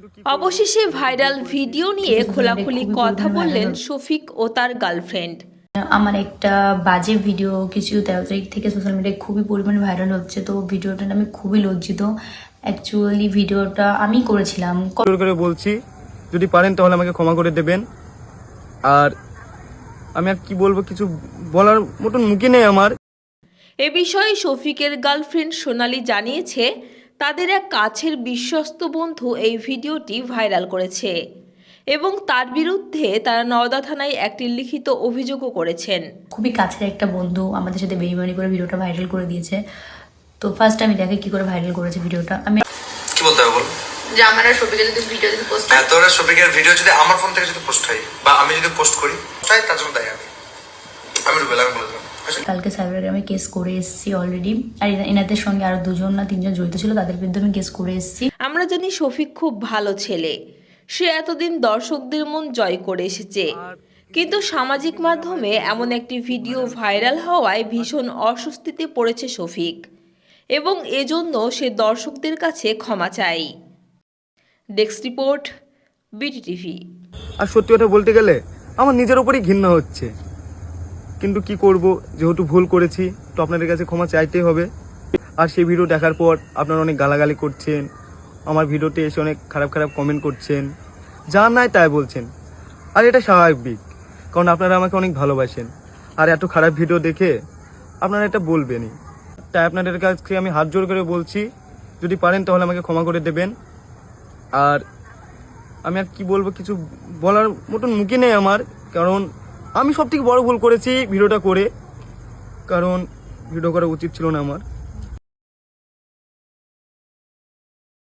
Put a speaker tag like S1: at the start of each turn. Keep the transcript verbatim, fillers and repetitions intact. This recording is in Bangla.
S1: অবশেষে ভাইরাল ভিডিও নিয়ে খোলাখুলি কথা বললেন শফিক ও তার গার্লফ্রেন্ড।
S2: আমার একটা বাজে ভিডিও কিছু তেরো তারিখ থেকে সোশ্যাল মিডিয়ায় খুবই পরিমাণে ভাইরাল হচ্ছে, তো ভিডিওটা আমি খুবই লজ্জিত। অ্যাকচুয়ালি ভিডিওটা আমি করেছিলাম।
S3: জোর করে বলছি, যদি পারেন তাহলে আমাকে ক্ষমা করে দেবেন। আর আমি আর কি বলবো, কিছু বলার মতন মুখে নেই আমার।
S1: এ বিষয়ে শফিকের গার্লফ্রেন্ড সোনালী জানিয়েছে, তাদের এক কাছের বিশ্বস্ত বন্ধু এই ভিডিওটি ভাইরাল করেছে এবং তার বিরুদ্ধে তারা নওদা থানায় একটি লিখিত অভিযোগও করেছেন।
S2: খুবই কাছের একটা বন্ধু আমাদের সাথে বেইমানি করে ভিডিওটা ভাইরাল করে দিয়েছে। তো ফার্স্ট আমি দেখে কি করে ভাইরাল করেছে ভিডিওটা। আমি
S4: কি বলতে হবে বল,
S2: যে আমার আর শফিকের যদি ভিডিও যদি পোস্ট
S4: হ্যাঁ তোর শফিকের ভিডিও যদি আমার ফোন থেকে যদি পোস্ট হয় বা আমি যদি পোস্ট করি তাই তার জন্য দায়ী আমি আমি রুবেল আমি বলে দিলাম।
S2: কালকে সাইবার ক্রাইমে কেস করে এসেছি অলরেডি। আর এনাদের সঙ্গে আরো দুজন না তিনজন জড়িত ছিল, তাদের বিরুদ্ধে আমি কেস করে এসেছি।
S1: আমরা জানি শফিক খুব ভালো ছেলে, সে এতদিন দর্শকদের মন জয় করে এসেছে, কিন্তু সামাজিক মাধ্যমে এমন একটি ভিডিও ভাইরাল হওয়ায় ভীষণ অস্বস্তিতে পড়েছে শফিক এবং এজন্য সে দর্শকদের কাছে ক্ষমা চায়। Desk report, BT TV.
S3: আর সত্যি কথা বলতে গেলে আমার নিজের উপরই ঘৃণা হচ্ছে, কিন্তু কি করব, যেহেতু ভুল করেছি তো আপনাদের কাছে ক্ষমা চাইতেই হবে। আর সেই ভিডিও দেখার পর আপনারা অনেক গালাগালি করছেন, আমার ভিডিওতে এসে অনেক খারাপ খারাপ কমেন্ট করছেন, যা নাই তাই বলছেন। আর এটা স্বাভাবিক, কারণ আপনারা আমাকে অনেক ভালোবাসেন। আর এত খারাপ ভিডিও দেখে আপনারা এটা বলবেনই। তাই আপনাদের কাছে আমি হাত জোর করে বলছি, যদি পারেন তাহলে আমাকে ক্ষমা করে দেবেন। আর আমি আর কি বলবো, কিছু বলার মতন মুখে নেই আমার, কারণ আমি সব থেকে বড় ভুল করেছি ভিডিওটা করে, কারণ ভিডিও করা উচিত ছিল না আমার।